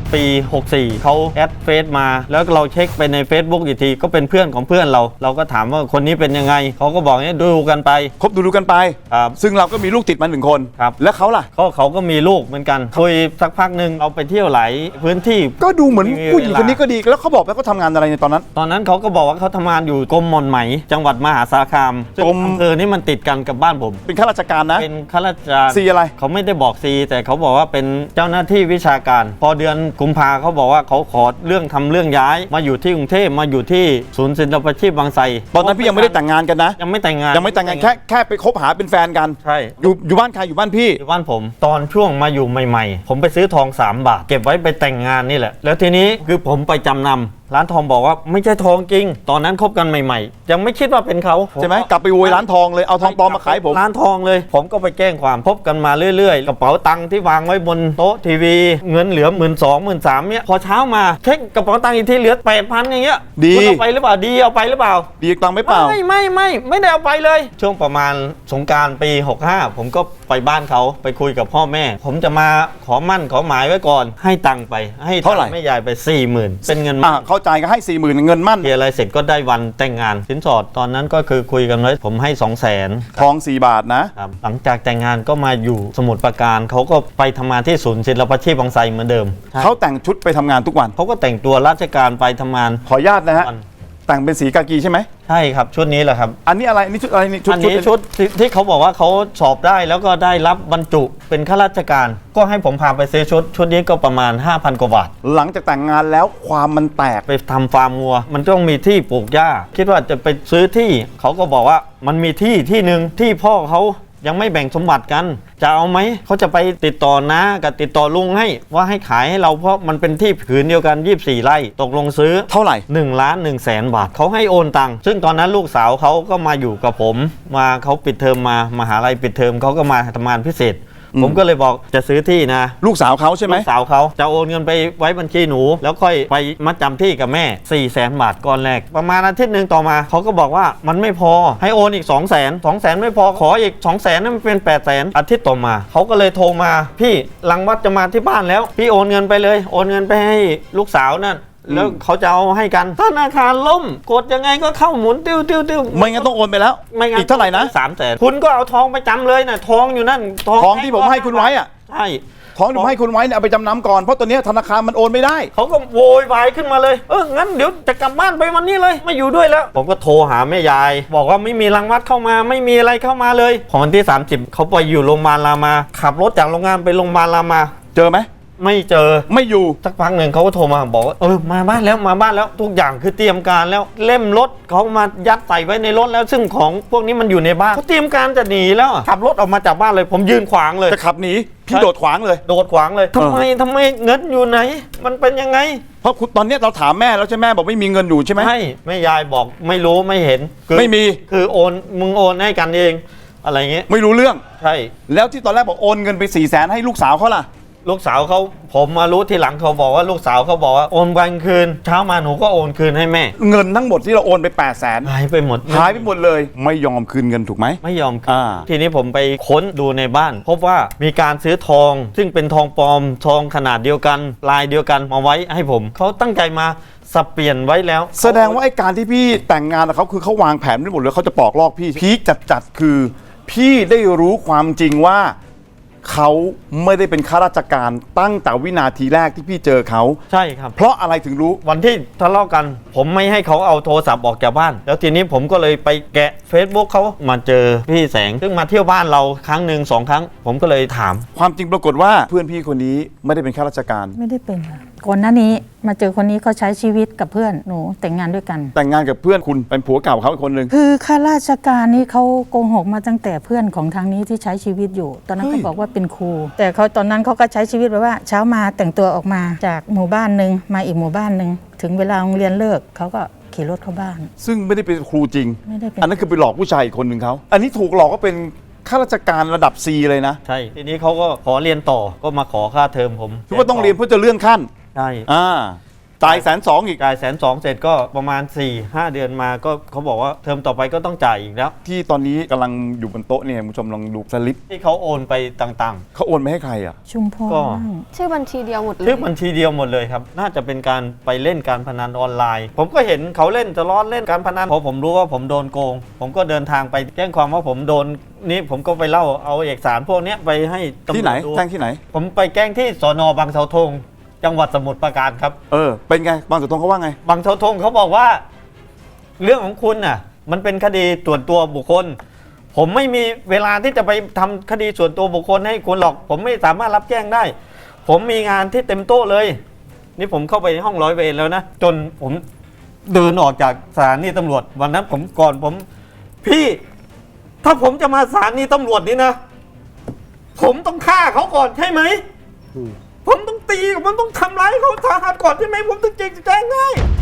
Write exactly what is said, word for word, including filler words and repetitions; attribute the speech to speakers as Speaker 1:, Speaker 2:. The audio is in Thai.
Speaker 1: ปีหกสี่เขาแอดเฟซมาแล้วเราเช็คไปใน Facebook อีกทีก็เป็นเพื่อนของเพื่อนเราเราก็ถามว่าคนนี้เป็นยังไงเขาก็บอกเนี่ยดูกันไป
Speaker 2: คบดูดูกันไป
Speaker 1: ครับ
Speaker 2: ซึ่งเราก็มีลูกติดมาหนึ่งคน
Speaker 1: ครับ
Speaker 2: แล้วเขาล่ะ
Speaker 1: เขาเขาก็มีลูกเหมือนกันคุยสักพักหนึ่งเราไปเที่ยวหลายพื้นที่
Speaker 2: ก็ดูเหมือนผู้หญิงคนนี้ก็ดีแล้วเขาบอกว่าเขาทำงานอะไรในตอนนั้น
Speaker 1: ตอนนั้นเขาก็บอกว่าเขาทำงานอยู่กรมหม่อนไหมจังหวัดมหาสารคามซึ่งอำเภอนี้มันติดกันกับบ้านผม
Speaker 2: เป็นข้าราชการนะ
Speaker 1: เป็นข้าราชการ
Speaker 2: ซีอะไร
Speaker 1: เขาไม่ได้บอกซีแต่เขาบอกว่าเป็นเจ้าหน้าที่วิชาการพอเดือนกุมภาเขาบอกว่าเขาขอเรื่องทำเรื่องย้ายมาอยู่ที่กรุงเทพมาอยู่ที่ศูนย์ศิลปาชีพบางไทร
Speaker 2: ตอนนั้นพี่ยังไม่ได้แต่งงานกันนะ
Speaker 1: ยังไม่แต่งงาน
Speaker 2: ยังไม่แต่งงานแค่แค่ไปคบหาเป็นแฟนกัน
Speaker 1: ใช่
Speaker 2: อยู่อยู่บ้านใครอยู่บ้านพี่
Speaker 1: อยู่บ้านผมตอนช่วงมาอยู่ใหม่ๆผมไปซื้อทองสามบาทเก็บไว้ไปแต่งงานนี่แหละแล้วทีนี้คือผมไปจำนำร้านทองบอกว่าไม่ใช่ทองจริงตอนนั้นคบกันใหม่ๆยังไม่คิดว่าเป็นเขา
Speaker 2: ใช่ไหมกลับไปโวยร้านทองเลยเอาทองปลอมมาขายผม
Speaker 1: ร้านทองเลยผมก็ไปแจ้งความพบกันมาเรื่อยๆกระเป๋าตังค์ที่วางไว้บนโต๊ะทีวีเงินเหลือหมื่นสองหมื่นสามเนี่ยพอเช้ามาเช็คกระเป๋าตังค์อีกทีเหลือแปดพันอย่างเงี้ย
Speaker 2: ดี
Speaker 1: เอาไปหรือเปล่าดีเอาไปหรือเปล่า
Speaker 2: ดีตังค์ไม่เปล่า
Speaker 1: ไม่ไม่ไม่ไม่ได้เอาไปเลยช่วงประมาณสงกรานต์ปีหกห้าผมก็ไปบ้านเขาไปคุยกับพ่อแม่ผมจะมาขอมั่นขอหมายไว้ก่อนให้ตังค์ไปให้
Speaker 2: เท่าไหร่
Speaker 1: แม่ยายไปสี่หมื่นเป็นเงิน
Speaker 2: อ่าเข้าใจก็ให้สี่หมื่นเงินมั่น
Speaker 1: เกี่ยอะไรเสร็จก็ได้วันแต่งงานสินสอดตอนนั้นก็คือคุยกันไว้ผมให้สองแสน
Speaker 2: ทองสี่บาทนะครับ
Speaker 1: หลังจากแต่งงานก็มาอยู่สมุทรปราการเขาก็ไปทำงานที่ศูนย์ศิลปาชีพบางไทรเหมือนเดิม
Speaker 2: เขาแต่งชุดไปทำงานทุกวัน
Speaker 1: เขาก็แต่งตัวราชการไปทำงาน
Speaker 2: ขออนุญาตนะฮะแต่งเป็นสีกากีใช่ไหม
Speaker 1: ใช่ครับชุดนี้แหละครับ
Speaker 2: อันนี้อะไรอันนี้ชุดอะไรนี่ชุด
Speaker 1: อันนี้ชุดที่เขาบอกว่าเขาสอบได้แล้วก็ได้รับบรรจุเป็นข้าราชการก็ให้ผมพาไปซื้อชุดชุดนี้ก็ประมาณ ห้าพัน กว่าบาท
Speaker 2: หลังจากแต่งงานแล้วความมันแตก
Speaker 1: ไปทำฟาร์มวัวมันต้องมีที่ปลูกหญ้าคิดว่าจะไปซื้อที่เขาก็บอกว่ามันมีที่ที่หนึ่งที่พ่อเขายังไม่แบ่งสมบัติกันจะเอาไหมเขาจะไปติดต่อน้ากับติดต่อลุงให้ว่าให้ขายให้เราเพราะมันเป็นที่ผืนเดียวกันยี่สิบสี่ไร่ตกลงซื้อ
Speaker 2: เท่าไหร่
Speaker 1: หนึ่งล้านหนึ่งแสนบาทเขาให้โอนตังค์ซึ่งตอนนั้นลูกสาวเขาก็มาอยู่กับผมมาเขาปิดเทอมมามหาลัยปิดเทอมเขาก็มาทำงานพิเศษผมก็เลยบอกจะซื้อที่นะ
Speaker 2: ลูกสาวเขาใช่ไหม
Speaker 1: ลูกสาวเขาจะโอนเงินไปไว้บัญชีหนูแล้วค่อยไปมัดจำที่กับแม่สี่แสนบาทก้อนแรกประมาณอาทิตย์หนึ่งต่อมาเขาก็บอกว่ามันไม่พอให้โอนอีกสองแสนสองแสนไม่พอขออีกสองแสนนั่นมันเป็นแปดแสนอาทิตย์ต่อมาเขาก็เลยโทรมาพี่หลังวัดจะมาที่บ้านแล้วพี่โอนเงินไปเลยโอนเงินไปให้ลูกสาวนั่นแล้วเขาจะเอาให้กันธนาคารล่มกดยังไงก็เข้าหมุนติ้วติ้วติ้ว
Speaker 2: ไม่งั้นต้องโอนไปแล้ว
Speaker 1: ไม่งั้น
Speaker 2: อีกเท่าไหร่นะ
Speaker 1: สามแสนคุณก็เอาทองไปจำเลยนะทองอยู่นั่น
Speaker 2: ทองที่ผมให้คุณไว้อะ
Speaker 1: ใช่
Speaker 2: ทองที่ผมให้คุณไว้เนี่ยเอาไปจำนำก่อนเพราะตัวนี้ธนาคารมันโอนไม่ได้
Speaker 1: เขาก็โวยวายขึ้นมาเลยเอองั้นเดี๋ยวจะกลับบ้านไปวันนี้เลยไม่อยู่ด้วยแล้วผมก็โทรหาแม่ยายบอกว่าไม่มีรังวัดเข้ามาไม่มีอะไรเข้ามาเลยพอวันที่สามสิบเขาไปอยู่โรงพยาบาลรามาขับรถจากโรงงานไปโรงพยาบาลรามา
Speaker 2: เจอไหม
Speaker 1: ไม่เจอ
Speaker 2: ไม่อยู่
Speaker 1: สักพักหนึ่งเขาก็โทรมาบอกว่าเออมาบ้านแล้วมาบ้านแล้วทุกอย่างคือเตรียมการแล้วเล่มรถเขามายัดใส่ไว้ในรถแล้วซึ่งของพวกนี้มันอยู่ในบ้านเขาเตรียมการจะหนีแล้วขับรถออกมาจากบ้านเลยผมยืนขวางเลย
Speaker 2: จะขับหนีพี่โดดขวางเลย
Speaker 1: โดดขวางเลยทำไมทำไมเงินอยู่ไหนมันเป็นยังไง
Speaker 2: เพราะตอนนี้เราถามแม่แล้วใช่แม่บอกไม่มีเงินอยู่ใช่ไหม
Speaker 1: ใช่แม่ยายบอกไม่รู้ไม่เห็น
Speaker 2: ไม่มี
Speaker 1: คือโอนมึงโอนให้กันเองอะไรเงี้ย
Speaker 2: ไม่รู้เรื่อง
Speaker 1: ใช่
Speaker 2: แล้วที่ตอนแรกบอกโอนเงินไปสี่แสนให้ลูกสาวเขาล่ะ
Speaker 1: ลูกสาวเขาผมมารู้ทีหลังเขาบอกว่าลูกสาวเขาบอกว่าโอนวันคืนเช้ามาหนูก็โอนคืนให้แม่
Speaker 2: เงินทั้งหมดที่เราโอนไปแปดแสน
Speaker 1: หายไปหมด
Speaker 2: หายไปหมดเลยไม่ยอมคืนเงินถูกไหม
Speaker 1: ไม่ยอมคืนทีนี้ผมไปค้นดูในบ้านพบว่ามีการซื้อทองซึ่งเป็นทองปลอมทองขนาดเดียวกันลายเดียวกันมาไว้ให้ผมเขาตั้งใจมาสับเปลี่ยนไว้แล้ว
Speaker 2: แสดงว่าไอ้การที่พี่แต่งงานกับเขาคือเขาวางแผนไว้หมดเลยเขาจะปอกลอกพี่พีคจัดๆคือพี่ได้รู้ความจริงว่าเขาไม่ได้เป็นข้าราชการตั้งแต่วินาทีแรกที่พี่เจอเขา
Speaker 1: ใช่ครับ
Speaker 2: เพราะอะไรถึงรู้
Speaker 1: วันที่ทะเลาะกันผมไม่ให้เขาเอาโทรศัพท์ออกจากบ้านแล้วทีนี้ผมก็เลยไปแกะ Facebook เขามาเจอพี่แสงซึ่งมาเที่ยวบ้านเราครั้งหนึ่งสองครั้งผมก็เลยถาม
Speaker 2: ความจริงปรากฏว่าเพื่อนพี่คนนี้ไม่ได้เป็นข้าราชการ
Speaker 3: ไม่ได้เป็นค่ะก่อนหน้านี้มาเจอคนนี้เขาใช้ชีวิตกับเพื่อนหนูแต่งงานด้วยกัน
Speaker 2: แต่งงานกับเพื่อนคุณเป็นผัวเก่าเขาอีกคนนึง
Speaker 3: คือข้าราชการนี่เขาโกหกมาตั้งแต่เพื่อนของทางนี้ที่ใช้ชีวิตอยู่ตอนนั้นเขาบอกว่าเป็นครูแต่เขาตอนนั้นเขาก็ใช้ชีวิตแบบว่าเช้ามาแต่งตัวออกมาจากหมู่บ้านนึงมาอีกหมู่บ้านนึงถึงเวลาโรงเรียนเลิกเขาก็ขี่รถเข้าบ้าน
Speaker 2: ซึ่งไม่ได้เป็นครูจริง
Speaker 3: ไม่ได้เป็น
Speaker 2: อันนั้นคือไปหลอกผู้ชายอีกคนนึงเขาอันนี้ถูกหลอกก็เป็นข้าราชการระดับ C เลยนะ
Speaker 1: ใช่ทีนี้เขาก็ขอเรียนต่อก็มาขอค่าเทอมผม
Speaker 2: คือว่าต้องเรียนเพื่อจะเลื่อนขั้น
Speaker 1: ใช่
Speaker 2: อ่าจ่ายแสนสองอีก
Speaker 1: จ่ายแสนสองเสร็จก็ประมาณ4ี่ห้าเดือนมาก็เขาบอกว่าเทอมต่อไปก็ต้องจ่ายอีกแล้ว
Speaker 2: ที่ตอนนี้กำลังอยู่บนโต๊ะเนี่ยคุณผู้ชมลองดูสลิป
Speaker 1: ที่เขาโอนไปต่าง
Speaker 2: เขาโอนไปให้ใครอ่ะ
Speaker 3: ชุมพร
Speaker 1: ก็
Speaker 3: บ้าง
Speaker 4: ชื่อบัญชีเดียวหมดเล
Speaker 1: ๆ
Speaker 4: ย
Speaker 1: ชื่อบัญชีเดียวหมดเลยครับ น่าจะเป็นการไปเล่นการพนันออนไลน์ ผมก็เห็นเขาเล่นจะล้อเล่นการพนันพอผมรู้ว่าผมโดนโกง ผมก็เดินทางไปแจ้งความว่าผมโดนนี่ผมก็ไปเล่าเอาเอกสารพวกเนี้ยไปให้ตำรวจ
Speaker 2: ที่ไหน
Speaker 1: ดู
Speaker 2: แจ้งที่ไหน
Speaker 1: ผมไปแจ้งที่สนบางเสาธงจังหวัดสมุทรปราการครับ
Speaker 2: เออเป็นไงบางเสาธงเขาว่าไง
Speaker 1: บางเสาธงเขาบอกว่า เรื่องของคุณน่ะ มันเป็นคดีส่วนตัวบุคคล ผมไม่มีเวลาที่จะไปทำคดีส่วนตัวบุคคลให้คุณหรอก ผมไม่สามารถรับแจ้งได้ ผมมีงานที่เต็มโต๊ะเลย นี่ผมเข้าไปในห้องร้อยเวรแล้วนะจนผมเดินออกจากสถานีตำรวจ วันนั้นผมก่อนผม พี่ ถ้าผมจะมาสถานีตำรวจนี่นะ ผมต้องฆ่าเขาก่อนใช่ไหมผมต้องตีผมต้องทำร้ายเขาสาหัสก่อนใช่ไหมผมถึงจะแจ้งได้